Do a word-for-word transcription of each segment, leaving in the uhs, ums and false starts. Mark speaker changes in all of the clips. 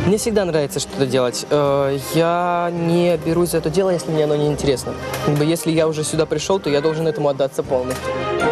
Speaker 1: Мне всегда нравится что-то делать. Э, Я не берусь за это дело, если мне оно не интересно. Как бы, если я уже сюда пришел, то я должен этому отдаться полностью.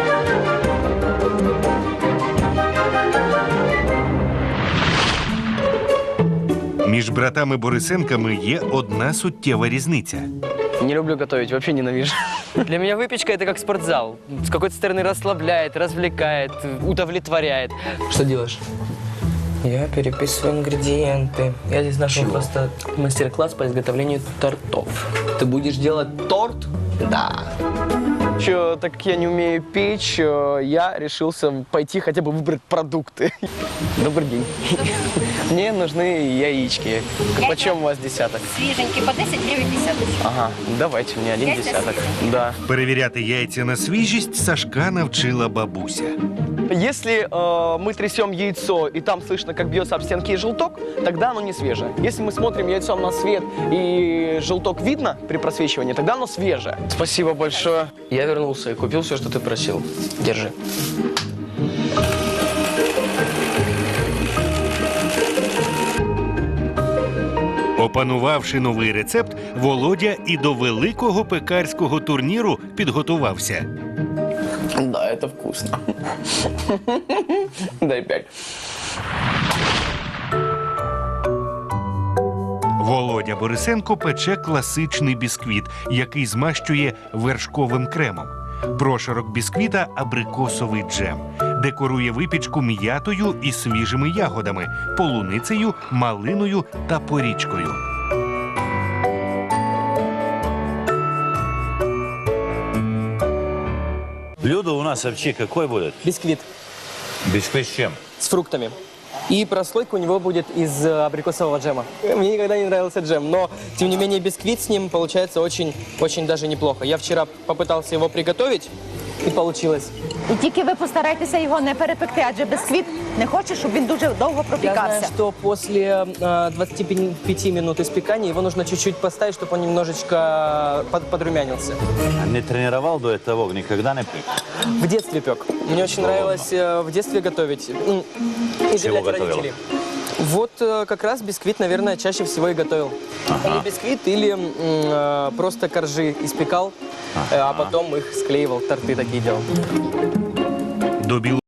Speaker 2: Між братами Борисенками є одна суттєва різниця.
Speaker 3: Не люблю готовить, вообще ненавижу.
Speaker 1: Для меня выпечка – это как спортзал. С какой-то стороны расслабляет, развлекает, удовлетворяет. Что делаешь? Я переписываю ингредиенты. Я здесь нашел
Speaker 3: Чего?
Speaker 1: просто мастер-класс по изготовлению тортов. Ты будешь делать торт? Да.
Speaker 3: Еще, так как я не умею печь, э, я решился пойти хотя бы выбрать продукты. Добрый день. Мне нужны яички. Почем у вас десяток?
Speaker 4: Свеженький, по десять гривен десяток.
Speaker 3: Ага, давайте мне один
Speaker 4: Яйца
Speaker 3: десяток.
Speaker 4: свежие?
Speaker 3: Да.
Speaker 2: Перевіряти яйця на свіжість Сашка навчила бабуся.
Speaker 3: Если э, мы трясем яйцо, и там слышно, как бьется об стенки желток, тогда оно не свежее. Если мы смотрим яйцом на свет, и желток видно при просвечивании, тогда оно свежее. Спасибо большое.
Speaker 1: Я вернулся и купил все, что ты просил. Держи.
Speaker 2: Опанувавши новий рецепт, Володя і до великого пекарського турніру підготувався.
Speaker 3: Да, это вкусно. Дай пять.
Speaker 2: Володя Борисенко пече класичний бісквіт, який змащує вершковим кремом. Прошарок бісквіта – абрикосовий джем. Декорує випічку м'ятою і свіжими ягодами – полуницею, малиною та порічкою.
Speaker 5: Блюдо у нас вообще какое будет?
Speaker 1: Бисквит
Speaker 5: Бисквит с чем?
Speaker 1: с фруктами. И прослойка у него будет из э, абрикосового джема. Мне никогда не нравился джем, но, тем не менее, бисквит с ним получается очень, очень даже неплохо. Я вчера попытался его приготовить, и получилось.
Speaker 6: І тільки ви постарайтеся його не перепекти, адже бісквіт не хоче, щоб він дуже довго
Speaker 1: Я знаю,
Speaker 6: пропікався.
Speaker 1: что после э, двадцати пяти минут испекания его нужно чуть-чуть поставить, чтобы он немножечко под- подрумянился.
Speaker 5: Не тренировал до этого, никогда не пек.
Speaker 1: В детстве пек. Мне очень нравилось э, в детстве готовить. М, И
Speaker 5: Чего
Speaker 1: удивлять
Speaker 5: готовил?
Speaker 1: родителей. Вот э, как раз бисквит, наверное, чаще всего и готовил. Или бисквит, или м, э, просто коржи испекал, э, а потом их склеивал, торты такие делал.
Speaker 2: До білого